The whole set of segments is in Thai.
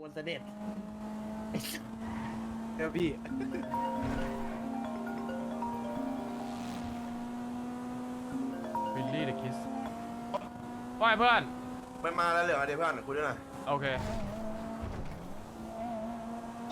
คนเสด็จเดี๋ยวพี่วิลลี่เดอะคิสว่าไงเพื่อนมันมาแล้วเหรอเดี๋ยวเพื่อนคุยด้วยหน่อยโอเคโอ้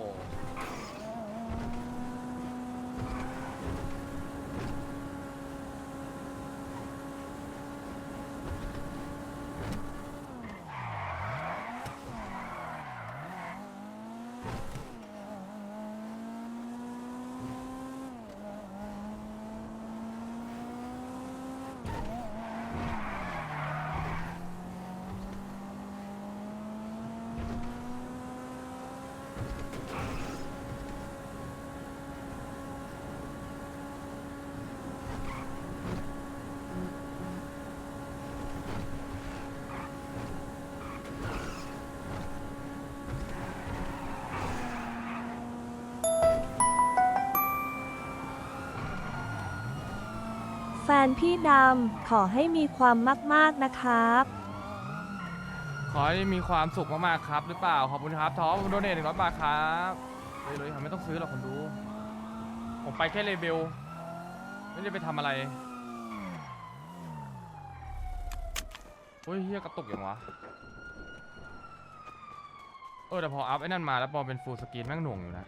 แฟนพี่ดำขอให้มีความมากๆนะครับขอให้มีความสุขมากๆครับหรือเปล่า ขอบคุณครับท็อปโดเนท100 บาทครับเลยไม่ต้องซื้อหรอกคนดู ผมไปแค่เลเบลไม่ได้ไปทำอะไรเฮ้ยเฮียกระตุกอย่างวะแต่พออัพไอ้นั่นมาแล้วพอเป็นฟูลสกรีนแม่งหน่วงอยู่นะ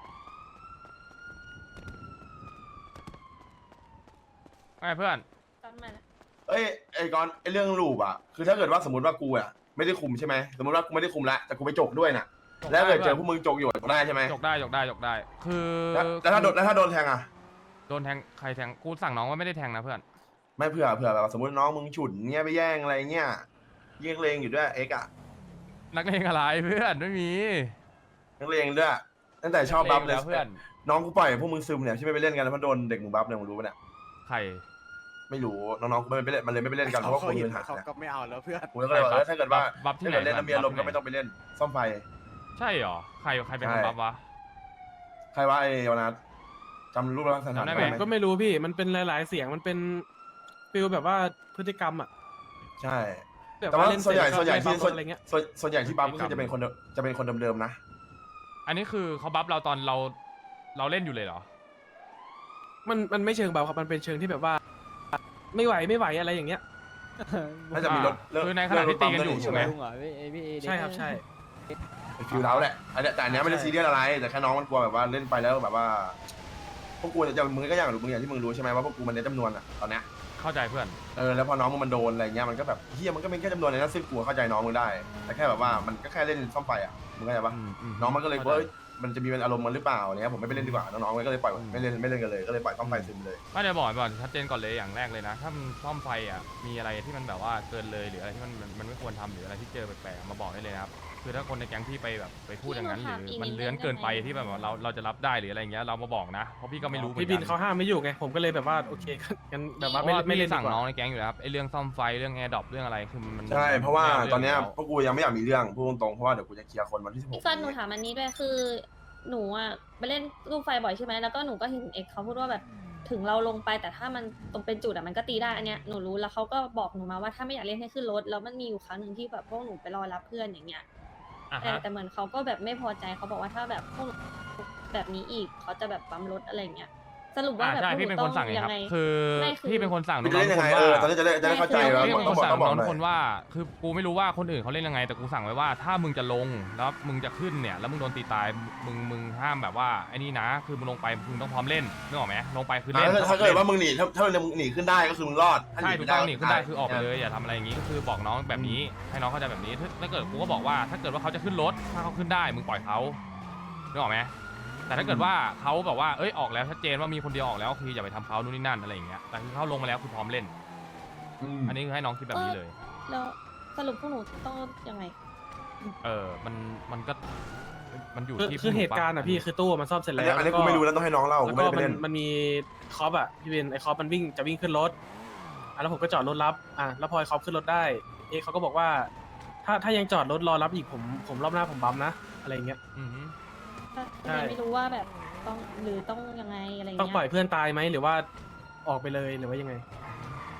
ไงเพื่อนเอ้ยไอ้ก่อนไอ้เรื่องลูปอ่ะคือถ้าเกิดว่าสมมติว่ากูอ่ะไม่ได้คุมใช่ไหมสมมติว่ากูไม่ได้คุมละแต่กูไปจกด้วยน่ะแล้วเกิดเจอพวกมึงจกอยู่ได้ใช่ไหมจกได้คือแล้วถ้าโดนแทงอ่ะโดนแทงใครแทงกูสั่งน้องว่าไม่ได้แทงนะเพื่อนไม่เผื่อแบบสมมติน้องมึงฉุนเงี้ยไปแย่งอะไรเงี้ยแย่งเลงอยู่ด้วยเอ็กอ่ะนักเลงอะไรเพื่อนไม่มีนักเลงด้วยตั้งแต่ชอบบัฟเลยเพื่อนน้องกูปล่อยพวกมึงซึมเนี่ยที่ไม่ไปเล่นกันแล้วมันโดนเด็กมึงบัฟเนี่ยมึงรู้ปะเนี่ยใครไม่รู้น้องๆกูไม่ไปเล่นมันเลยไม่ไปเล่นกันเพราะว่าคนมีปัญหาเขาก็ไม่เอาแล้วเพื่อนกูก็เลยบอกถ้าเกิดว่าบัฟที่ถ้าไหนเกิดเล่นแล้วมีอารมณ์ก็ไม่ต้องไปเล่นซ่อมไฟใช่เหรอใครเป็นคนบัฟวะใครว่าไอ้วนาจำรูปลักษณะจำได้ไหมได้ไหมก็ไม่รู้พี่ มันเป็นหลายๆเสียง มันเป็นฟิลแบบว่าพฤติกรรมอ่ะใช่แบบแต่ว่าเล่นส่วนใหญ่เสร็จที่ก็ไล่บัฟอะไรเงี้ยส่วนใหญ่ที่บัฟก็คือจะเป็นคนเดิมๆนะอันนี้คือเขาบัฟเราตอนเราเล่นอยู่เลยเหรอมันไม่เชิงเบาครับ มันเป็นเชิงที่แบบว่า ไม่ไหวอะไรอย่างเงี้ยน่าจะมีรถคือในขณะที่ตีกันอยู่ใช่ไหมลุงเหรอพี่ใช่ครับใช่ฟิลเท้าแหละแต่อันเนี้ยไม่ได้ซีเรียสอะไรแต่แค่น้องมันกลัวแบบว่าเล่นไปแล้วแบบว่าพวกกูจะมึงก็อย่างที่มึงรู้ใช่ไหมว่าพวกกูมันเน้นจำนวนอะตอนเนี้ยเข้าใจเพื่อนแล้วพอน้องมันโดนอะไรเงี้ยมันก็แบบเฮียมันก็เป็นแค่จำนวนในนั้นซึ่งกูเข้าใจน้องมึงได้แต่แค่แบบว่ามันก็แค่เล่นซ่อมไฟอะมึงเข้าใจปะน้องมันก็เลยว่ามันจะมีเป็นอารมณ์มันหรือเปล่าเนี่ยผมไม่ไปเล่นดีกว่าน้องๆมันก็เลยปล่อยไม่เล่นกันเลยก็เลยปล่อยซ่อมไฟซึมเลยก็จะบอกก่อนชัดเจนก่อนเลยอย่างแรกเลยนะถ้ามันซ่อมไฟอ่ะมีอะไรที่มันแบบว่าเกินเลยหรืออะไรที่มันไม่ควรทำหรืออะไรที่เจอแปลกๆมาบอกได้เลยนะครับคือถ้าคนในแก๊งพี่ไปแบบไปพูดอย่างนั้นหรือมันเลื้อนเกินไปที่แบบว่าเราจะรับได้หรืออะไรเงี้ยเรามาบอกนะเพราะพี่ก็ไม่รู้เหมือนพี่กับินเขาห้ามไม่อยู่ไง ผมก็เลยแบบว่าโอเคงั้นแบบว่าเพราะว่าไม่พี่เล่นดีสั่งกว่าน้องในแก๊งอยู่แล้วครับไอ้เรื่องซ่อมไฟเรื่องแอร์ดรอปเรื่องอะไรคือมันใช่เพราะว่าตอนเนี้ยไม่พวกกูยังไม่อยากมีเรื่องพูดตรงๆเพราะว่าเดี๋ยวกูจะเคลียร์คนวันที่16 พี่ฟันหนูถามอันนี้ด้วยคือ หนูอ่ะไปเล่นลูกไฟบ่อยใช่ไหมแล้วก็หนูก็เห็นเอกเขาพูดว่าแบบถึงเราลงไปแต่ถ้ามันตรงเป็นจุดอ่ะมันก็ตีได้อันเนี้ยหนูรู้แล้วเขาก็บอกหนูมาว่าถ้าไม่อยากเล่นให้ขึ้นรถแล้วมันมีอยู่ครั้งหนึ่งที่แบบพวกหนูไปรอรับเพื่อนอย่างเงี้ยอ่ะแต่ฮะแต่เหมือนเขาก็แบบไม่พอใจเขาบอกว่าถ้าแบบพวกหนูแบบนี้อีกเขาจะแบบปั๊มรถอะไรเงี้ยสรุปว่าแบบใช่พวกหพี่นูเป็นต้คอน งสั่งเองยัครับงไงคือไม่คือพี่เป็นคนสั่งมันน้จะองเล่นๆยังทุกไงคนว่าตอนนี้จะได้เข้าใจแล้วพี่เป็นคนต้สั่อง งบอกหน้น่ออง ยทุกคนว่าคือกูไม่รู้ว่าคนอื่นเขาเล่นยังไงแต่กูสั่งไว้ว่าถ้ามึงจะลงแล้วมึงจะขึ้นเนี่ยแล้วมึงโดนตีตายมึงห้ามแบบว่าไอ้นี่นะคือมึงลงไปมึงต้องพร้อมเล่นนึกออกไหมลงไปคือเล่นถ้าเกิดว่ามึงหนีถ้ามึงหนีขึ้นได้ก็คือมึงรอดใช่ถูกต้องหนีขึ้นได้คือออกไปเลยอย่าทำอะไรอย่างงี้ก็คือบอกน้องแบบนี้ให้น้องเข้าใจแบบนี้ถ้าเกิดกูก็บอกว่าถ้าเกิดว่าเขาจะขึ้นรถถ้าเขาขึ้นได้มึงปล่อยเขานึกออกไหมแต่ถ้าเกิดว่าเขาแบบว่าเอ้ยออกแล้วชัดเจนว่ามีคนเดียวออกแล้วคืออย่าไปทำเขานู่นนี่นั่นอะไรอย่างเงี้ยแต่คือเขาลงมาแล้วคือพร้อมเล่น อันนี้คือให้น้องคิดแบบนี้เลยแล้วสรุปพวกหนูต้องยังไงมันก็มันอยู่ที่คือเหตุการณ์อ่ะพี่คือตู้มันซ่อมเสร็จแล้วอันนี้กูไม่รู้แล้วต้องให้น้องเล่ากูแล้วไม่ก็ได้ไปเล่นมันมีคอปอ่ะพี่บินไอ้คอปมันจะวิ่งขึ้นรถแล้วผมก็จอดรถรับแล้วพอไอ้คอปขึ้นรถได้เขาก็บอกว่า ถ้ายังจอดรถรอรับอีกผมรอบหน้าผมบัมนะอะไรอย่างเงี้ยอือฮึก็เลยไม่รู้ว่าแบบต้องหรือต้องยังไงอะไรเงี้ยต้องปล่อยเพื่อนตายไหมหรือว่าออกไปเลยหรือว่ายังไง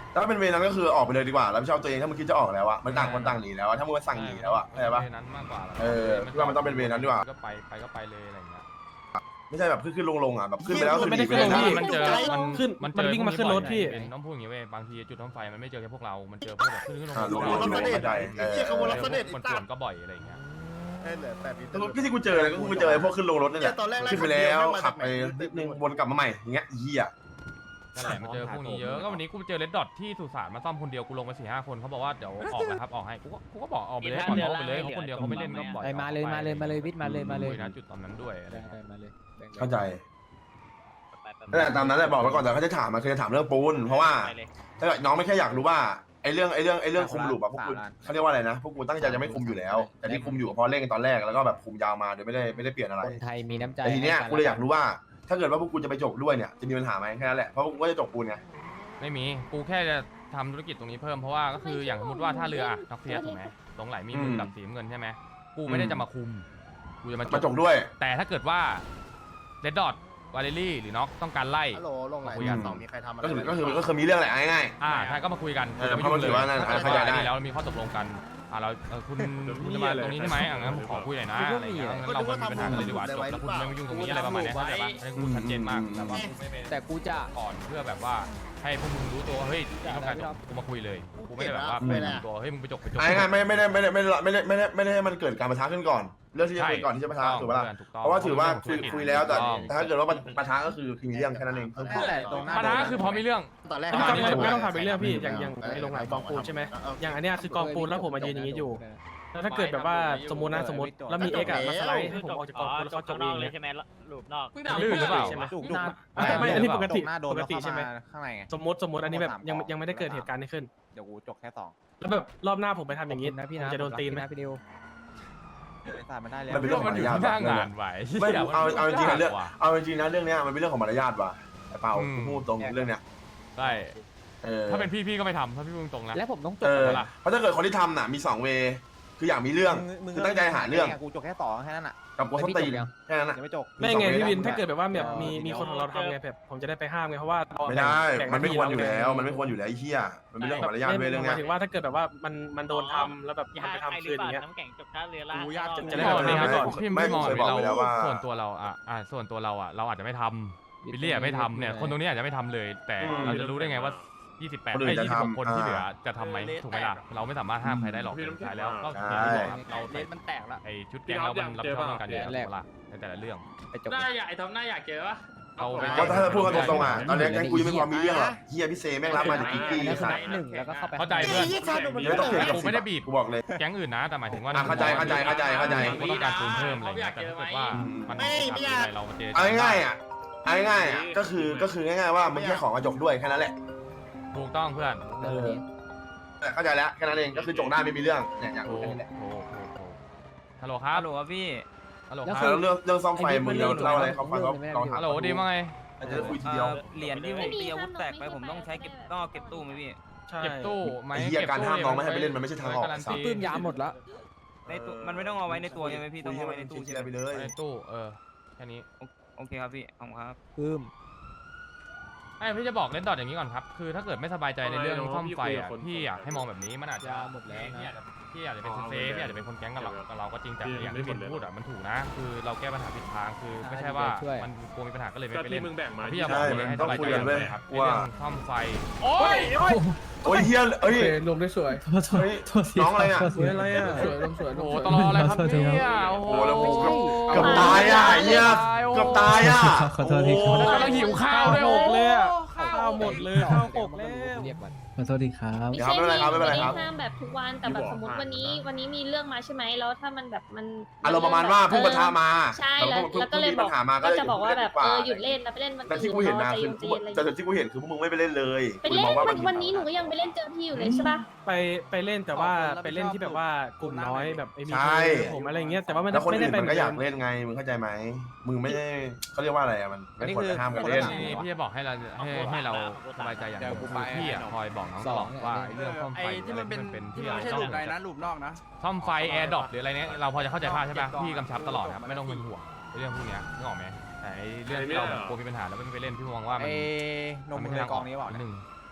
ถ้าเป็นเวรนั้นก็คือออกไปเลยดีกว่ารับผิดชอบตัวเองถ้ามึงคิดจะออกแล้วอะมันต่างคนต่างหนีแล้วอะถ้ามึงมาสั่งหนีแล้วอะเข้าใจปะเวนั้นมากกว่าพี่ว่ามันต้องเป็นเวรนั้นดีกว่าก็ไปเลยอะไรอย่างเงี้ยไม่ใช่แบบขึ้นลงอะแบบขึ้นไปแล้วคือหนีไปเลยไม่นะได้มันเจอขึ้นมันวิ่งมาขึ้นรถพี่ต้องพูดอย่างงี้เว้ยบางทีจุดท่อมไฟมันไม่เจอแค่พวกเรา มันเจอพวกแบบขึ้นลงรู้ เข้าใจเหี้ยขบวนรถเสด็จมันสวนก็บ่อยอะไรอย่างเงี้ยเหลือ8 ปีก็ที่กูเจอเลยก็กูเจอพวกขึ้นลงรถนี่แหละตอนแรกขึ้นไปแล้วขับไปนิดนึงวนกลับมาใหม่อย่างเงี้ยเหี้ยนั่นแหละมันเจอพวกนี้เยอะก็วันนี้กูเจอเลดดอทที่สุสานมาซ่อมคนเดียวกูลงไป4-5 คนเขาบอกว่าเดี๋ยวออกแล้วครับออกให้กูก็บอกออกไปเลยก่อนออกไปเลยเขาคนเดียวเขาไม่เล่นก็ปล่อยมาเลยวิทย์มาเลยนะจุดตอนนั้นด้วยอะไรได้มาเลยเข้าใจนั่นแหละตามนั้นแหละบอกไปก่อนแต่เขาจะถามมันคือจะถามเรื่องปูนเพราะว่าถ้าน้องไม่แค่อยากรู้ว่าไอ้เรื่องคุมหลูปอะพวกกูเขาเรียกว่าอะไรนะพวกกูตั้งใจจะไม่คุมอยู่แล้วแต่ที่คุมอยู่เพราะเล่นกันตอนแรกแล้วก็แบบคุมยาวมาโดยไม่ได้เปลี่ยนอะไรคนไทยมีน้ำใจแต่ทีเนี้ยกูเลยอยากรู้ว่าถ้าเกิดว่าพวกกูจะไปจกด้วยเนี่ยจะมีปัญหาไหมแค่นั้นแหละเพราะพวกกูก็จะจกปูนไงไม่มีกูแค่จะทำธุรกิจตรงนี้เพิ่มเพราะว่าก็คืออย่างสมมติว่าถ้าเรืออะน็อกเซียถูกไหมตรงไหลมีมึงกับสีเงินใช่ไหมกูไม่ได้จะมาคุมกูจะมามาจกด้วยแต่ถ้าเกิดว่าเรดดอทวาเลรี่หรือน็อกต้องการไล่ฮัลโหลลงไหนต่อมีใครทำอะไรก็คือมีเรื่องแหละง่ายใช่ก็มาคุยกันเพราะมันถือว่านั่นเข้าใจได้แล้วมีข้อตกลงกันเราคุณจะมาตรงนี้ใช่ไหมงั้นผมขอคุยหน่อยนะอะไรอย่างเงี้ยงั้นเราไม่มีปัญหากันเลยดีกว่าจบแล้วคุณไม่มายุ่งตรงนี้อะไรประมาณนี้เข้าใจปะให้กูชัดเจนมากแต่ว่าแต่กูจะก่อนเพื่อแบบว่าให้พวกมึงรู้ตัวเฮ้ยต้องการกูมาคุยเลยกูไม่ได้แบบว่าไปทำตัวเฮ้ยมึงไปจบง่ายไม่ได้ให้มันเกิดการประทะขึ้นก่อนเรื่องที่จะเป็นก่อนที่จะประทะถูกปะล่ะเพราะว่าถือว่าคุยแล้วแต่ถ้าเกิดว่าประทะก็คือมีเรื่องแค่นั้นเองปัญหาคือพอมีเรื่องตอนแรกไม่ต้องทำเป็นเรื่องพี่อย่างไอ้โรงไหลกองปูนใช่ไหมอย่างอันเนี้ยคือกองปูนแล้วผมมายืนอย่างนี้อยู่แล้วถ้าเกิดแบบว่าสมมติแล้วมีเอ็กอะมาสไลด์ให้ผมออกจากกองปูนแล้วเขาจบเองเนี่ยใช่ไหมลูปนอกลื่นหรือเปล่าใช่ไหมน่าไม่อันนี้ปกติหน้าโดนปกติใช่ไหมข้างในไงสมมติอันนี้แบบยังไม่ได้เกิดเหตุการณ์นี้ขึ้นเดี๋ยวกูจกแค่สองแล้วแบบรอบหน้าผมไปทำอย่างนี้นะพี่ผมนะจะโดนตีนไหมพี่ดิวไม่ทราบมันได้แล้วมันเป็นเรื่องของมารยาทหน้างานไหวไม่เอาจริงนะเรื่องเนี้ยมันเป็นเรื่องของมารยาทว่ะไอ้เปาพูดตรงเรื่องเนี้ยใช่ถ้าเป็นพี่ก็ไม่ทำถ้าพี่พูดตรงนะแล้วผมต้องจบเพราะถ้าเกิดคนที่ทำน่ะมี2 เวคืออยากมีเรื่องคือตั้งใจหาเรื่องกูจกแค่สองแค่นั้นอ่ะกับกวนส้นตีนแค่นั้นน่ะยังไม่จกไม่ไงพี่วินถ้าเกิดแบบว่าแบบมีคนของเราทำไงแบบผมจะได้ไปห้ามไงเพราะว่าไม่ได้มันไม่ควรอยู่แล้วมันไม่ควรอยู่แล้วไอ้เหี้ยมันเป็นเรื่องของมารยาทเว้ยเรื่องหเนี้มาย ยถึงว่าถ้าเกิดแบบว่ามันโดนทำแล้วแบบมันไปทำคืนอย่างเงี้ยน้ำแข็งจบท่าเรือล่างจะได้แบบนี้ไว้ก่อนพี่ไม่มองเราส่วนตัวเราส่วนตัวเราเราอาจจะไม่ทำบิลลี่ไม่ทำเนี่ยคนตรงนี้อาจจะไม่ทำเลย แต่เราจะรู้ได้ไงว่า28ไม่26คนที่เหลือจะทำไหมถูกไหมล่ะเราไม่สามารถห้ามใครได้หรอกสุดท้ายแล้วก็อย่างที่บอกครับเราเลนมันแตกละไอชุดแก๊งเรามันรับผิดชอบกันอยู่แล้วล่ะในแต่ละเรื่องไปจบหน้าอยากไอ้ทอมหน้าอยากเจอปะเราไปก็ถ้าพูดกันตรงๆอ่ะตอนนี้แกงกูยังไม่พอมีเรื่องหรอกเฮียพี่เซแม่งรับมาจากกิ๊กกี้แล้วสัตนัว์บหนึ่งแล้วก็เข้าไปเข้าใจเพื่อนไม่ต้องเถียงกับกูไม่ได้บีบกูบอกเลยแก๊งอื่นนะแต่หมายถึงว่าเข้าใจกูต้องการปูนเพิ่มอะไรเงี้ยแต่ถ้าเกิดว่ามันอะไรเรามาเจอเอาง่ายๆอ่ะก็คือง่ายๆว่ามึงแค่ของกระจกด้วยแค่นั้นแหละถูกต้องเพื่อนแต่เข้าใจแล้วแค่นั้นเองก็คือจกได้ไม่มีเรื่องเนี่ยอยากถูรู้กแค่นี้แหละฮัลโหลครับฮัลโหลครับพี่ฮัลโหลแล้วคคืรับเรื่องซ่อมไฟมึงเล่าอะไรเขาฟังเขาลองถามฮัลโหลดีมั้งไงอาจจะคุยทีเดียวเหรียญที่ผมตีอาวุธแตกไปผมต้องใช้เก็บตู้ไหมพี่ใช่เก็บตู้ไหมไอ้เหี้ยการห้ามน้องไม่ให้ไปเล่นมันไม่ใช่ทางออกการันตีปื้มยาหมดละในตู้มันไม่ต้องเอาไว้ในตัวใช่ไหมพี่ต้องเอาไว้ในตู้ใช่ใช่ไหมไปเลยในตู้แค่นี้โอเคครับพี่ขอบคุณครับปื้มพี่จะบอกเล่นดอทอย่างนี้ก่อนครับคือถ้าเกิดไม่สบายใจในเรื่องซ่อมไฟพี่อยากให้มองแบบนี้มันอาจจะพี่อาจจะเป็นเซฟพี่อาจจะเป็นคนแก๊งกับเราก็จริงแต่อย่างที่พูดมันถูกนะคือเราแก้ปัญหาผิดทางคือไม่ใช่ว่ามันกลัวมีปัญหาก็เลยไม่ไปเล่นพี่จะบอกเลยให้สบายใจเลยครับเรื่องซ่อมไฟโอ้ยโอ้ยเฮียเอ้ยลงได้สวยน้องอะไรอ่ะสวยอะไรอ่ะสวยลงสวยโอ้ตลอดอะไรครับเนี่ยโอ้โหแล้วผมเกือบตายอ่ะเฮียเกือบตายอ่ะขอโทษทีครับแล้วก็หิวข้าวด้วยหกเลยอ่ะข้าวหมดเลยข้าวหกแล้วเรียกก่อนขอโทษทีครับไม่ใช่พี่ไม่ได้ห้ามแบบทุกวันแต่แบบสมมติวันนี้มีเรื่องมาใช่ไหมแล้วถ้ามันแบบมันอารมณ์ประมาณว่าเพิ่งปะทะมาใช่แล้วก็เลยบอกก็จะบอกว่าแบบหยุดเล่นนะไปเล่นวันแต่อื่นที่กูเห็นนะใจคือเย็นๆอะไรแต่ที่กูเห็นคือพวกมึงไม่ไปเล่นเลยไปเล่นวันนี้หนูก็ยังไปเล่นเจอพี่อยู่เลยใช่ปะไปเล่นแต่ว่าไปเล่นที่แบบว่ากลุ่มน้อยแบบไอ้มีผมอะไรเงี้ยแต่ว่าไม่แล้วคนได้อื่นไปมันก็อยากเล่นไงมึงเข้าใจไหมมึงไม่ได้เขาเรียกว่าอะไรอ่ะมันไม่ควรจะห้ามกันเล่นพี่จะบอกให้เราสบายใจอย่างนึงคือพี่คอยบอกน้องตลอดว่าเรื่องซ่อมไฟที่มันเป็นที่เราต้องซ่อมไฟแอร์ดรอปหรืออะไรเนี้ยเราพอจะเข้าใจภาพใช่ปะพี่กำชับตลอดครับไม่ต้องเป็นห่วงเรื่องพวกนี้นึกออกไหมแต่เรื่องที่เราแบบกลัวมีปัญหาแล้วไม่ไปเล่นพี่มองว่ามันนมมึงในกองนี้เปล่าหนึ่ง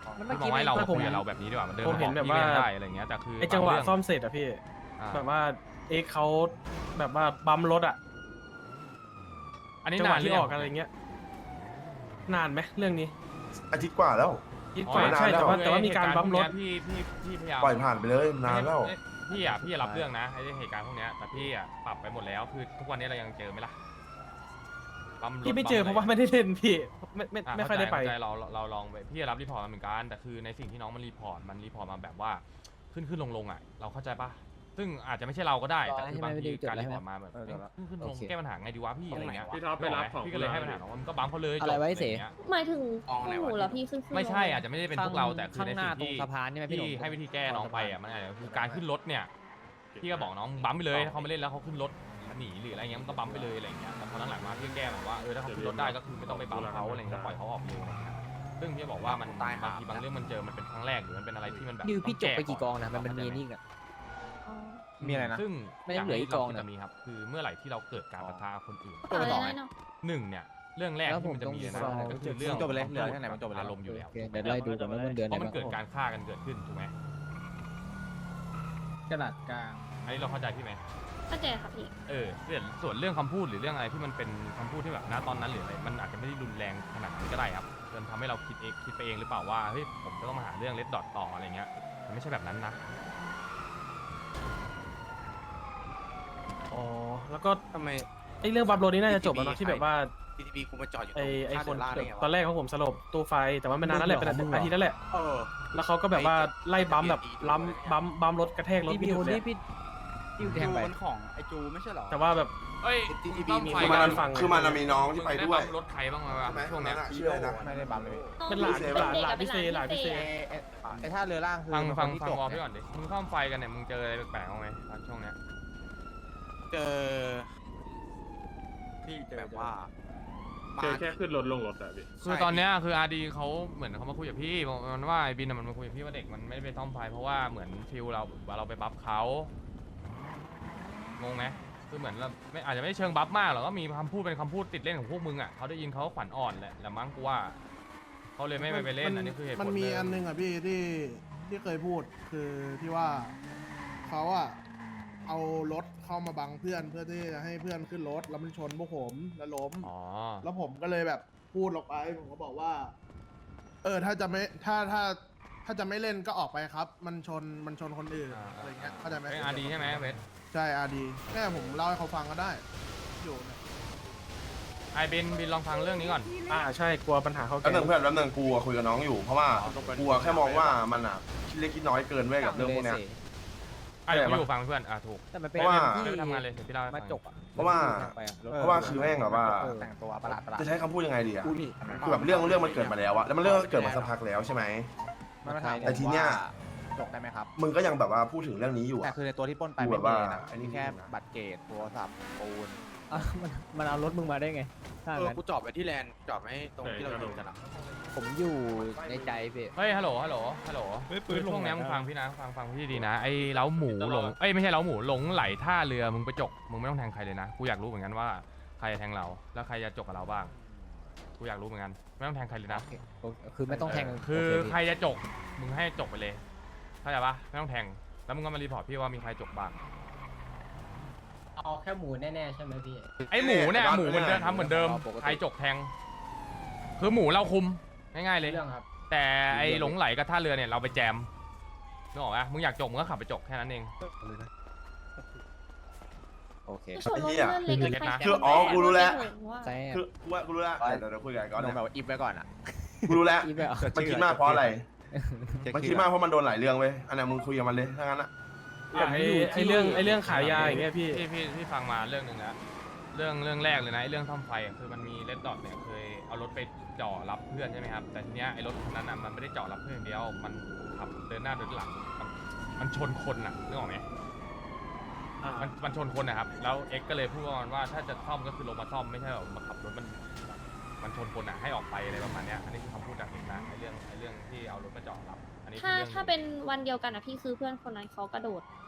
มันพี่เมื่อมองกี้ให้เราไม่คุยกับเราแบบนี้ดีกว่ามันเดินผมมาบเห็อกนแบบพี่ว่าเล่นได้อะไรเงี้ยแต่คือไอจังหวะบาเรื่ซ่อมเสร็จอะพี่อ่าแบบว่าเอ็กเขาแบบว่าบัมรถอะอันนี้จังหะนาวนหรืที่ออยัอง กอะไรเงี้ย นานไหมเรื่องนี้อาทิตย์กว่าแล้วคิดอ๋อว่าไม่นานใช่แล้วแต่ว่ามีการบัมรถพี่พยายามปล่อยผ่านไปเลยนานแล้วพี่รับเรื่องนะไอ้เหตุการณ์พวกเนี้ยแต่พี่อ่ะปรับไปหมดแล้วคือทุกวันนี้เรายังเจอไหมล่ะปั๊รถพี่ไม่เจอปั๊เพราะว่าไม่ได้เล่นพี่ไม่ค่อยได้ไปเข้าใจเราลองไปพี่รับรีพอร์ตมาเหมือนกันแต่คือในสิ่งที่น้องมันรีพอร์ตมาแบบว่าขึ้นลงอ่ะเราเข้าใจปะซึ่งอาจจะไม่ใช่เราก็ได้แต่คือบางทีการรีพอร์ตมาแบบขึ้นลงแก้ปัญหาไงดีวะพี่อะไรเงี้ยพี่ท็อปไปรับของพี่ก็เลยให้ปัญหาน้องมันก็บัมเขาเลยอะไรไว้เสจบงี้ยหมายถึงพวกหนูเหรอพี่ขึ้นไม่ใช่อาจจะไม่ได้เป็นพวกเราแต่คือข้างในหน้าสิ่งตรงที่สะพานใช่ไหมพี่หนุ่ที่มให้วิธีแก้น้องไปอ่ะมันอาจจะคือการขึ้นรถเนี่ยพี่ก็บอกน้องบัมไปเลยถ้าเขาไม่เล่นแล้วเขาขึ้นรถหนีหรืออะไรเงี้ยมันก็บัมไปเลยอะไรเงี้ยแต่พอหลังๆมาพี่ก็แก้แบบว่าถ้าเขาขึ้นรถได้ก็คือไม่ต้องไปบัมเขาอะไรเงี้ยปล่อยเขาออกเลยอะไรเงี้ยซึ่งพี่บอกว่ามันบางทีบางเรื่องมันเจอมันเป็นครั้งแรกหรือมันเป็นอะไรที่มันแบบดิวพี่จบไปกี่กต้องนะมันมีนี่อ่ะมีอะไรนะซึ่งไม่ได้เหลืออีกกองนะจะมีครับคือเมื่อไหร่ที่เราเกิดการปะทะคนอื่นต่อเลยเนาะหนึ่งเนี่ยเรื่องแรกที่มันจะมีนะก็คือเรื่องจบไปเลยเหลือแค่ไหนมันจบไปเลยอารมณ์อยู่แล้วโอเคเดี๋ยวไล่ดูก่อนว่ามันเดือนไหเพนราะมันเกิดการฆ่ากันเกิดขึ้นถูกไหมกระดาษกลางอันนี้เราเข้าใจพี่ไหมเข้าใจค่ะพี่ส่วนเรื่องคำพูดหรือเรื่องอะไรที่มันเป็นคำพูดที่แบบณตอนนั้นหรืออะไรมันอาจจะไม่ได้รุนแรงขนาดนั้นก็ได้ครับจนทำให้เราคิดไปเองหรือเปล่าว่าเฮ้ยผมจะต้องมาหาเรื่องเลดดอทต่ออะไรเงี้ยมันไม่ใช่แบบนั้นนะอ๋อแล้วก็ทำไมไอเรื่องบัมรถนี่น่าจะจบแล้วเนาะที่แบบว่า PTB กูมาจอดอยู่ไอคนตอนแรกของผมสลบตู้ไฟแต่ว่ามันนานแล้วแหละเป็นอาทิตย์แล้วแหละแล้วเขาก็แบบว่าไล่บัมแบบบัมรถกระแทกรถพี่ไม่หดิวยุดเลยนี่พี่ดิวแทงไปมันของไอจูไม่ใช่หรอแต่ว่าแบบเอ้ย TTB มีคือมันคือมันมีน้องที่ไปด้วยรถใครบ้างวะช่วงเนี้ยชื่ออะไรนะไม่ได้บัมเลยเป็นหลานพี่เซหลานพี่เซไอท่าเรือล่างคือฟังที่วจอบ ลพี่ก่อนดิมึงข้ามไฟกันเนี่ยมึงเจออะไรแปลกๆบ้างไหมช่วงเนี้ยเจอที่แบบว่าเจอแค่ขึ้นรถลงรถอะพี่คือตอนเนี้ยคืออาร์ดีเขาเหมือนเขามาคุยกับพี่มันว่าไอ้บินมันมาคุยกับพี่ว่าเด็กมันไม่ได้ไปซ่อมไฟเพราะว่าเหมือนฟิลเราไปบัฟเขางงไหมคือเหมือนเราไม่อาจจะไม่เชิงบัฟมากหรอกก็มีคำพูดเป็นคำพูดติดเล่นของพวกมึงอ่ะเขาได้ยินเขาขวัญอ่อนแหละมั้งกูว่าเขาเลยไม่ไปเล่นอันนี้คือเหตุผลมันมีอันนึงอ่ะพี่ที่เคยพูดคือที่ว่าเขาอ่ะเอารถเข้ามาบังเพื่อนเพื่อที่จะให้เพื่อนขึ้นรถแล้วมันชนพวกผมแล้วล้มอ๋อแล้วผมก็เลยแบบพูดออกไปผมก็บอกว่า ถ้าจะไม่ถ้าจะไม่เล่นก็ออกไปครับ มันชนคนอื่นอะไรเงี้ยเข้าใจไหมเป็นอาร์ดีใช่ไหมเวทใช่อาดีแม่ผมเล่าให้เขาฟังก็ได้อยู่เนี่ยไอ้บินลองฟังเรื่องนี้ก่อนใช่กลัวปัญหาเขาแป๊บแก่นึงเพื่อนแป๊บนึงกูอะคุยกับน้องอยู่เพราะว่ากูอะแค่มองว่ามันอ่ะคิดเล็กคิดน้อยเกินเว้ยกับเรื่องพวกเนี้ยเดี๋ยวอยู่ฟังเพื่อนถูกแต่มันเป็นเพราะว่าที่ทำงานเลยเดี๋ยวพี่เล่าให้ฟัมาง จกอ่ะเพราะว่า เพราะว่าคือแม่งแบบว่าแต่งตัวประหลาดจะใช้คำพูดยังไงดีอะคือแบบเรื่องมันเกิดมาแล้วอะแล้วมันเรื่องเกิดมาสักพักแล้วใช่ไหมมันมาถามแต่ทีเนี้ยจบได้ไหมครับมึงก็ยังแบบว่าพูดถึงเรื่องนี้อยู่แต่อะคือในตัวที่ปล้นไปกูไม่แบบมีว่านะอันนี้มีแค่บัตรเกตโทรศัพท์ปูนมันเอารถมึงมาได้ไงถ้างั้นกูจอดไปที่แลนด์จอดไม่ตรงที่เราอยู่กันอ่ะผมอยู่ในใจพี่เฮ้ยฮัลโหลคือช่วงนี้มึงฟังพี่นะฟังพี่ดีนะไอ้เล้าหมูหลงไม่ใช่เล้าหมูหลงไหลท่าเรือมึงไปจกมึงไม่ต้องแทงใครเลยนะกูอยากรู้เหมือนกันว่าใครจะแทงเราแล้วใครจะจกกับเราบ้างกูอยากรู้เหมือนกันไม่ต้องแทงใครเลยนะคือไม่ต้องแทงคือใครจะจกมึงให้จกไปเลยเข้าใจปะไม่ต้องแทงแล้วมึงก็มารีพอร์ตพี่ว่ามีใครจกบ้างเอาแค่หมูแน่ๆใช่ไหมพี่ไอ้หมูเนี่ยหมูเหมือนเดิมทำเหมือนเดิมใครจกแทงคือหมูเราคุมง่ายๆเลยเรื่องครับแต่ไอ้หลงไหลกับท่าเรือเนี่ยเราไปแจมนึกออกปะมึงอยากจกมึงก็ขับไปจกแค่นั้นเองโอเคชนรถเพื่อนเล็กกับใครคืออ๋อกูรู้แล้วใช่คือกูรู้แล้วเดี๋ยวคุยกันก่อนลงนะแบบว่าอิฟไว้ก่อนอ่ะกูรู้แล้วอีแบบมันคิดมากเพราะอะไรมันคิดมากเพราะมันโดนหลายเรื่องเว้ยอันนั้นมึงคุยกับมันเลยถ้างั้นอะไอเรื่องขายยาอย่างเงี้ยพี่พี่ฟังมาเรื่องหนึ่งแล้วเรื่องแรกเลยนะไอ้เรื่องซ่อมไฟอะคือมันมีเลดดอทเนี่ยเคยเอารถไปจ่อรับเพื่อนใช่ไหมครับแต่ทีเนี้ยไอ้รถคันนั้นอ่ะมันไม่ได้จ่อรับเพื่อนอย่างเดียวมันขับเดินหน้าเดินหลังมันชนคนอ่ะนึกออกไหมมันชนคนนะครับแล้วเอ็กก็เลยพูดว่าถ้าจะซ่อมก็คือลงมาซ่อมไม่ใช่แบบมาขับรถมันชนคนอ่ะให้ออกไปอะไรประมาณเนี้ยอันนี้คือคำพูดจากเอ็กนะไอ้เรื่องที่เอารถมาจ่อรับอันนี้คือถ้าเรื่องถ้าเป็นวันเดียวกันอ่ะพี่คือเพื่อนคนนั้นเขากระโดด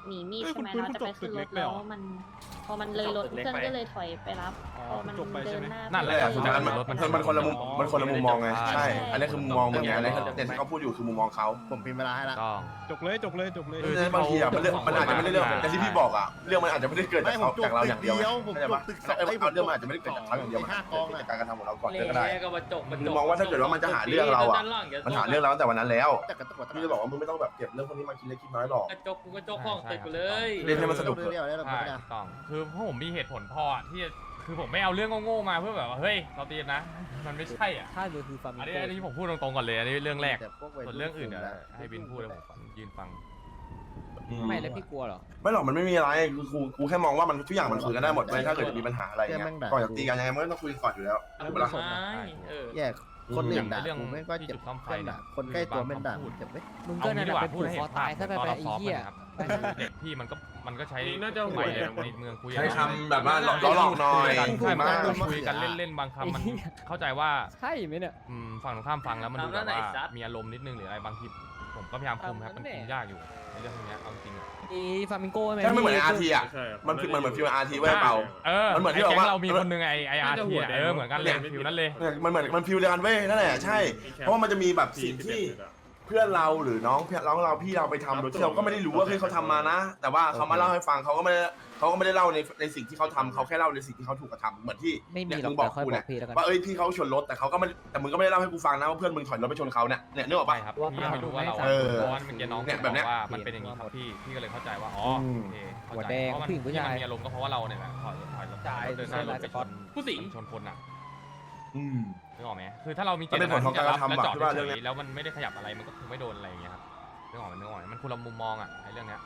หนีมีดใช่ไหมเราจะไปขึ้นรถแล้วมันพอมันเลยรถเพื่อนก็เลยถอยไปรับพอมันเดินหน้านั่นแหละสุดท้ายมันคนละมุมมันคนละมุมมองไงใช่อันนี้คือมุมมองมึงไงอันนี้แต่ที่เขาพูดอยู่คือมุมมองเขาผมพิมพ์เวลาให้ละต้องจบเลยจบเลยจบเลยบางทีอ่ะมันอาจจะไม่ได้เรื่องแต่ที่พี่บอกอ่ะเรื่องมันอาจจะไม่ได้เกิดจากเขาจากเราอย่างเดียวผมจบตึกสองเรื่องมันอาจจะไม่ได้เกิดจากเขาอย่างเดียวมันเกิดจากการกระทำของเราก่อนก็ได้ก็มาจกมึงมองว่าถ้าเกิดว่ามันจะหาเรื่องเราอ่ะมันหาเรื่องเราตั้งแต่วันนั้นแล้วแต่กระตุกพี่จะบอกว่ามึงไม่ต้องแบบเก็บเรื่องพวกนี้มาคิดเล็กคิดน้อยหรอกกระจกกูกระจกห้องติดกูเลยเล่นให้มันสนุกเรื่องเดียวได้หรอใช่ถูกต้องคือพวกผมมีเหตุผลพอที่คือผมไม่เอาเรื่องโง่ๆมาเพื่อแบบว่าเฮ้ยเราตีนะมันไม่ใช่อ่ะค่าเรือคือฟาร์มอันนี้ที่ผมพูดตรงๆก่อนเลยอันนี้เรื่องแรกแต่พวกวัยส่วนเรื่องอื่นเดี๋ยวให้บินพูดแล้วผมยืนฟังไม่แล้วพี่กลัวเหรอไม่หรอกมันไม่มีอะไรคือกูแค่มองว่ามันทุกอย่างมันคุยกันได้หมดเลยถ้าเกิดจะมีปัญหาอะไรเงี้ยก่อนจะตีกันยังไงมันก็ต้องคุยก่อนอยู่แล้วถูกปะล่ะแยกคนอื่นด่ากูไม่ก็เจ็บคนใกล้ตัวไม่ด่าเจ็บไหมมึงก็นั่นแหละเป็นผูกคอตายถ้าไปไอ้เหี้ยเด็กพี่มันก็ใช้น่าจะหัวในเมืองคุยใช้คำแบบว่าหลอกหน่อยใช่มันคุยกันเล่นๆบางคำมันเข้าใจว่าใช่ไหมเนี่ยฝั่งตรงข้ามฟังแล้วมันดูแบบว่ามีอารมณ์นิดนึงหรืออะไรบางทีผมก็พยายามคุมครับมันคุมยากอยู่ในเรื่องพวกนี้เอาจริงอ่ะมีฟามิงโก้ไหมใช่ไม่เหมือนอาร์ทีอ่ะมันคือมันเหมือนฟิวอาร์ทีไว้เปล่า มันเหมือนที่แบบว่าเรามีคนนึงไออาร์ทีเหมือนกันเลยฟิวนั้นเลยมันเหมือนมันฟิวเดียวกันเว้ยนั่นแหละใช่เพราะว่ามันจะมีแบบสิ่งที่เพื่อนเราหรือน้องเราพี่เราไปทำโดยที่เราก็ไม่ได้รู้ว่าเฮ้ยเขาทำมานะ แต่ว่าเขามาเล่าให้ฟังเขาก็ไม่ได้เล่าในสิ่งที่เขาทำเขาแค่เล่าในสิ่งที่เขาถูกกระทำเหมือนที่ไม่มีเนี่ยหรอมึกงบอกค่อยกูบอเนี่ยกพี่แล้วกันว่าพี่เขาชนรถแต่เขาก็ไม่แต่มึงก็ไม่ได้เล่าให้กูฟังนะว่าเพื่อนมึงถอยรถไปชนเขาเนี่ยนึกออกไปปะครับพี่ไม่รู้ว่าเราเพราะว่าเมื่อกี้น้องบอกว่ามันเป็นอย่างนี้ครับพี่ก็เลยเข้าใจว่าอ๋อโอเคเข้าใจเพราะมันมีอารมณ์ก็เพราะว่าเราเนี่ยแหละถอยรถเดินหน้ารถไปชนผู้สิงชนคนอ่ะนึกออกไหมคือถ้าเรามีเจตนาที่จะรับแล้วจอดเฉยๆแล้วมันไม่ได้ขยับอะไรมันก็คงไม่โดนอะไรอย่างเงี้ยครับนึกออกไหมมันคนละมุมมองอ่ะไอ้เรื่องเนี้ย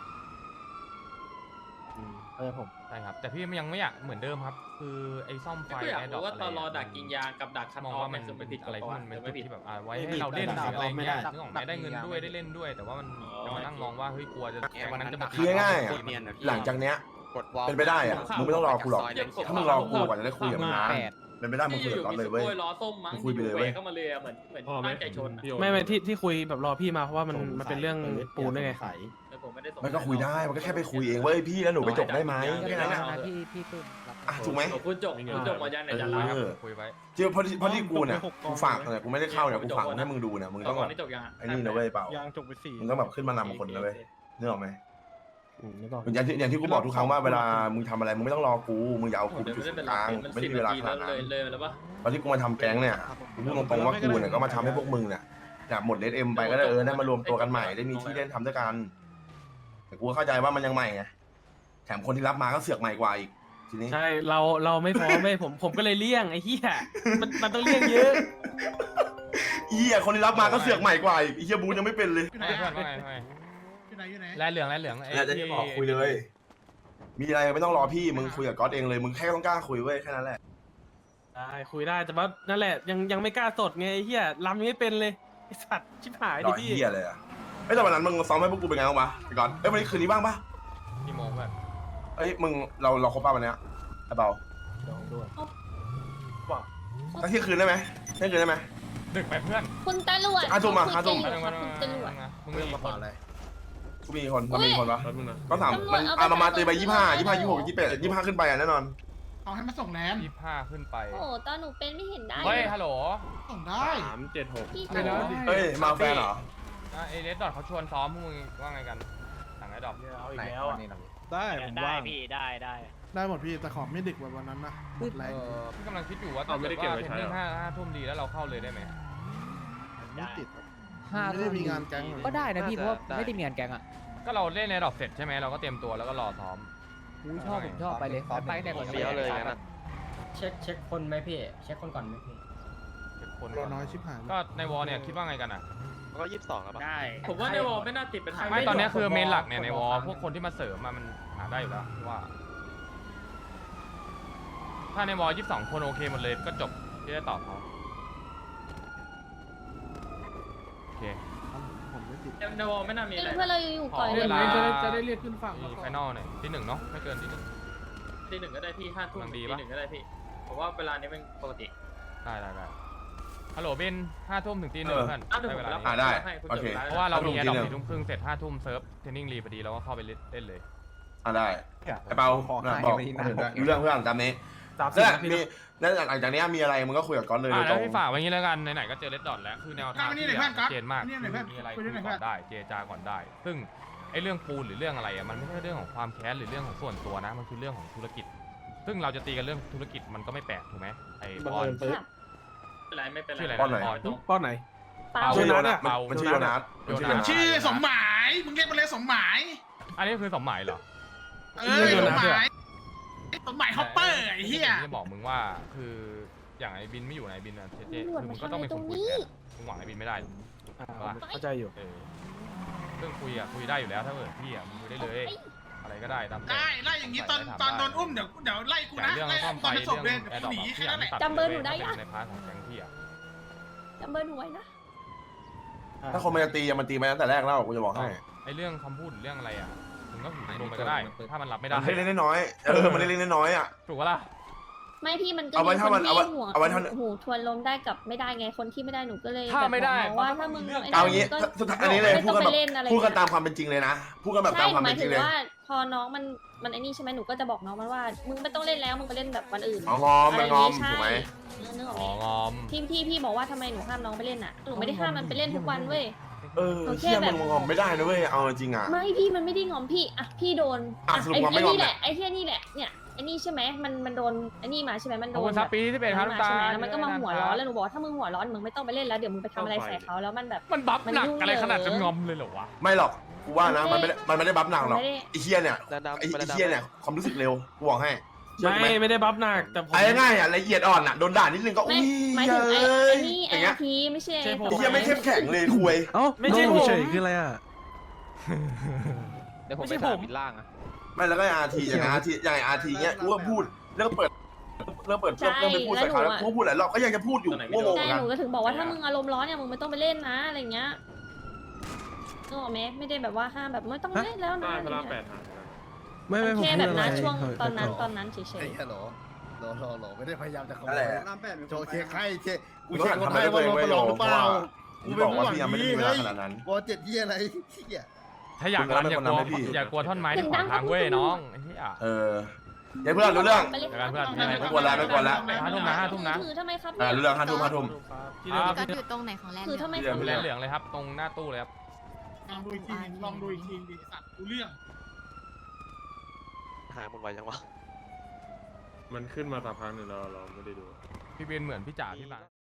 ผมใช่ครับแต่พี่ยังไม่อยากเหมือนเดิมครับ คือไอ้ซ่อมไฟก็อยากไอ้ดอกรู้ว่าอะไรตอนรอดักกินยางกับดักคันมองออฟว่ามันเป็นผิดอะไรที่มันเป็นไม่จุดผิดที่แบบไว้ให้เราเล่นหรืออะไรเงี้ยนึกออกไหมได้เงินด้วยได้เล่นด้วย แต่ว่ามันจะมานั่งมองว่าเฮ้ยกลัวจะวันนั้นจะมาคือง่ายๆอ่ะหลังจากเนี้ยเป็นไปได้อ่ะมึงไม่ต้องรอกูหรอกถ้ามึงรอกูก่อนจะได้คุยกับมึงนะเป็นไปได้มึงคุยกับตอนเลยเว้ยล้อส้มมั้งคุยไปเลยเว้ยเข้ามาเลยเหมือนตั้งใจชนไม่ที่คุยแบบรอพี่มาเพราะว่ามันเป็นเรื่องปูนด้วยไงผมไม่ได้ส่งมันก็คุยได้มันก็แค่ไปคุยเองเว้ยพี่แล้วหนูไปจบได้ไหมแค่นั้นนะพี่ตุ้มรับถูกไหมคุณจบมายันไหนจะรับคุยไว้เจอเพราะที่กูเนี่ยกูฝากเนี่ยกูไม่ได้เข้าเนี่ยกูฝากให้มึงดูเนี่ยมึงต้องแบบนี่จบยังไอ้นี่นะเว้ยเปล่ายางจบไป4 มึงต้องแบบขึ้นมานำคนนะเว้ยนึกออกไหมอย่างที่กูบอกทุกครั้งว่าเวลามึงทำอะไรมึงไม่ต้องรอกูมึงอย่าเอากูจุดกลางไม่มีเวลาขนาดนั้นเลยแล้วปะตอนที่กูมาทำแก๊งเนี่ยกูพูดตรงๆว่ากูเนี่ยก็มาทำให้พวกมึงเนี่ยหมดเลดเอ็มไปก็ได้ได้มารวมตัวกันใหม่ได้มีที่เล่นทำด้วยกันแต่กูเข้าใจว่ามันยังใหม่ไงแถมคนที่รับมาก็เสือกใหม่กว่าอีกทีนี้ใช่เราไม่พร้อมไม่ผมก็เลยเลี่ยงไอ้เหี้ยมันต้องเลี่ยงเยอะคนที่รับมาก็เสือกใหม่กว่าอีกไอ้เหี้ยบูยังไม่เป็นเลยเพื่อนว่าไงแลเหลืองไอ้แล้วจะบอกคุยเลย มีอะไรไม่ต้องรอพี่มึงคุยกับก๊อตเองเลยมึงแค่ต้องกล้าคุยเว้ยแค่นั้นแหละได้คุยได้แต่ว่านั่นแหละยังไม่กล้าสดไงไอ้เหี้ยรำยังไม่เป็นเลยไอ้สัตว์ชิบหายรดิอพี่เหี้ยเลยอะแต่วันนั้นมึงซ้อมให้พวกกูเป็นไงบ้างวะไอ้ก๊อตวันนี้คืนนี้บ้างปะกี่โมงแบบมึงเราครบป่ะวันเนี้ยไอ้เบาตั้งเที่ยงคืนได้ไหมเที่ยงคืนได้ไหมดึกไปเพื่อนคุณตำรวจห้าทุ่มคุยกันอยู่ครับคุณตำรวจมึงเรื่องมีมาคก่อน นเลยกูมีคนเรามีคนปะแป๊บนึงนะก็ถามมันประมาณตีไป25 26 28 25ขึ้นไปอ่ะแน่นอนเอาให้มาส่งแลนด์ 25ขึ้นไปโอ้ตอนหนูเป็นไม่เห็นได้เฮ้ยฮัลโหลส่งได้พี่ไม่ได้เฮ้ยมาแฟนเหรอเอเลสดอทเขาชวนซ้อมพวกมึงว่าไงกันสั่งไอ้ดอกเอาอีกแล้วอะได้ผมว่างได้หมดพี่แต่ขอไม่ดึกแบบวันนั้นนะหมดแรงพี่กำลังคิดอยู่ว่าถ้าเกิดว่าเทรนนิ่ง5 ทุ่มดีแล้วเราเข้าเลยได้ไหมไม่ติด 5 ไม่ได้มีงานแก๊งเลยก็ได้นะพี่เพราะว่าไม่ได้มีงานแก๊งอ่ะก็เราเล่นในดอกเสร็จใช่ไหมเราก็เตรียมตัวแล้วก็รอซ้อมผมชอบไปเลยไปแต่ก่อนเฟี้ยวเลยงั้นอะเช็คคนไหมพี่เช็คคนก่อนไหมพี่คนรอน้อยชิบหายก็ในวอลเนี่ยคิดว่าไงกันอ่ะก็22แล้วปะได้ผมว่าในวอลไม่น่าติดเป็นไม่ตอนนี้คือเมนหลักเนี่ยในวอลพวกคนที่มาเสริมมันหาได้อยู่แล้วว่า ถ้าในวอล22 คนโอเคหมดเลยก็จบที่ได้ตอบเขาโอเคผมไม่ติดในวอลไม่น่ามีอะไรเพื่อนเราอยู่ก่อนเวลาจะได้เรียกขึ้นฝั่งไฟนอลหน่อยที่ 1เนาะไม่เกินที่ตี 1ก็ได้พี่5 ทุ่มกำลังดีตีปะ 1ก็ได้พี่ผมว่าเวลานี้เป็นปกติ 1ได้ฮัลโหลเบน5 ทุ่มถึงตี 1เพื่อนได้เวลานี้ได้โอเคเพราะว่าเรามีแอร์ดรอป 5 4 ทุ่มครึ่งเสร็จ5 ทุ่มเซิร์ฟเทรนนิ่งรีพอดีเราก็เข้าไปเล่นเลยได้ไอ้เปาบอกรู้เรื่องเพื่อนตามนี้ 30 แล้วนาทีมีแล้วหลังจากนี้มีอะไรมึงก็คุยกับก๊อตเลยแล้ตรวงพี่ฝากไว้งี้แล้วกันไหนๆก็เจอเลดดอทแล้วคือแนวทางที่ชัดเจนมากมีอะไรคุยก่อนได้เจรจาก่อนได้ ซึ่งไอ้เรื่องปูนหรือเรื่องอะไรอ่ะมันไม่ใช่เรื่องของความแค้นหรือเรื่องของส่วนตัวนะมันคือเรื่องของธุรกิจ ซึ่งเราจะตีกันเรื่องธุรกิจมันก็ไม่แปลกถูกไหมไอ้บอลค่ะชื่ออะไรป้อนไหนนะบอลป้อนไหนเปล่าชื่อโยนัสเปามันชื่อโยนัสมันชื่อสมหมายมึงเรียกมันเลยสมหมายอันนี้คือสมหมายเหรอสมหมายสมหมายฮอปเปอร์ไอ้เหี้ยจะบอกมึงว่าคืออย่างไอ้บินไม่อยู่ไหนบินอ่ะเจ๊คือมึงก็ต้องเป็นคนคุยแทนมึงหวังไอ้บินไม่ได้เข้าใจอยู่เรื่องคุยได้อยู่แล้วถ้าเกิดพี่อ่ะมึงคุยได้เลย อะไรก็ได้ตามใจได้ไล่อย่างนี้ตอนโดนอุ้มเดี๋ยวไล่กูแต่นะเรื่องไล่ซ่อมไฟตอนเป็นศเรื่พองเลยแอเดี๋ยวร์ดรอปกูหนีแค่นั้นแหละจำเบอร์หนูได้ยังในพาร์ทของแก๊งพี่อ่ะจำเบอร์หนูไว้นะถ้าคนมันจะตีมันตีมาตั้งแต่แรกแล้วกูจะบอกให้ไอ้เรื่องคำพูดหรือเรื่องอะไรอ่ะมึงก็ลงไปก็ได้ ถ้ามันรับไม่ได้มันเล็กๆน้อยๆมันเล็กๆน้อยๆอ่ะถูกปะล่ะไม่พี่มันก็เอาไว้มีถ้าคมันนเอาไว้ที่หัวเอาไว้ถ้าหูทวนลมได้กับไม่ได้ไงคนที่ไม่ได้หนูก็เลยถ้าไม่ได้แบบมองว่าถ้ามึงเอาอย่างงี้ก็สุดท้ายอันนี้เลยพูดกันแบบไม่ต้องไปเล่นอะไรพูดกันตามความเป็นจริงเลยนะพูดกันแบบใช่ตามหความมาเป็ยนจถึริงงเลยว่าพอน้องมันไอ้นี่ใช่ไหมหนูก็จะบอกน้องมันว่ามึงไม่ต้องเล่นแล้วมึงไปเล่นแบบวันอื่นอ๋องอมอะไรงอมใช่ถูกไหมนึกออกอ๋อไหมงอมที่พี่บอกว่าทำไมหนูห้ามน้องไปเล่นอ่ะหนูไม่ได้ห้ามมันไปเล่นทุกวันเว้ยเชี่ยมันงอมไม่ได้นะเว้ยเอาจริงอ่ะไม่พี่มันไม่ได้งอมพี่อ่ะพี่โดนสรุปไอ้งอมไม่งอมนี่แหเนี่ละยไอ้เที่ยนี่แหละเนี่ยไอ้นี่ใช่ไหมมันโดนไอ้นี่มาใช่ไหมมันขโดอบคุนณแบซับบ ปีที่เป็นครับมาตาใช่ไหมแล้วมันก็มาหัวร้อนแล้วหนูบอกถ้ามึงหัวร้อนมึงไม่ต้องไปเล่นแล้วเดี๋ยวมึงไปทำอะไรใส่เขาแล้วมันแบบมันบัฟมันหนักยุ่งอะไรขนาดเหรอจะงอมเลยเหรอวะไม่หรอกกูว่านะมันไม่ได้บัฟหนักหรอกไม่ได้ไอ้เชี่ยเนี่ยไอ้เชี่ยเนี่ยความรู้สึกเร็วกูบอกให้ไม่ได้บัฟหนักแต่ผมไอ้ง่ายอ่ะละเอียดอ่อนอ่ะโดนด่านิดนึงก็ไม่อุ้ยหมายถึงไอ้เอ้ยนี่อไอ้ย่างเงี้ยทีไม่ใช่ใช่ผมไอ้เชี่ยไม่เข้มแข็งเลยคุยไม่ใช่ผมคืออะไรอ่ะเดี๋ยวผมไม่ไปใช่ถามผมบินล่างอะไม่แล้วก็อาร์ทีอย่างอาร์ทีอย่างอาร์ทีเงี้ยกูก็พูดเรื่องเปิดเรื่องไม่พูดใส่เขาแล้วกูพูดหลายรอบก็ยังจะพูดอยู่โง่ๆใช่กันหนูก็ถึงบอกว่าถ้ามึงอารมณ์ร้อนเนี่ยมึงไม่ต้องไปเล่นนะอะไรเงี้ยนึกออกไหมไม่ได้แบบว่าห้ามแบบไม่ต้องเล่นแล้วนะอะไรเงี้ยไม่ผมแค่พูแบดบอะไรนั้นช่วงตอนนั้นเฉไอ้ยฮัลโหลโหลไม่ได้พยายามจะขโมนั่นแหยละโจเช็คให้เช็คกูกูต้อเช็งคหันคนทำไทให้ยด้ว่าวยลงเว้ยมาลองหรือเปล่ากูบอกว่าพี่ยังไม่ได้มีเวลาขนาดนั้นวอเจ็ดที่อะไรเหี้ยถ้าอยากรันอย่ากลัวให้พี่อย่ากลัวท่อนไม้ที่ขวางทางเว้ยน้องไอ้เหี้ยเดี๋ยวเพื่อนรู้เรื่องไปเล่นเดี๋ยวกันเพื่อนไม่กวนละไม่กวนละ 5 ทุ่มนะคือทำไมครับรู้เรื่อง5 ทุ่มที่เดิมก็อยู่ตรงไหนของแลนด์คือทำไมที่เดิมเหลืองเลยครับตรงหน้าตู้เลยครับลองดูอีกทีลองดูอีกทีดิสัตว์ดูเรื่องหายหมดไวจังวะมันขึ้นมาสักพักหนึ่งแล้วเราไม่ได้ดูพี่เบนเหมือนพี่จ๋าที่ร้าน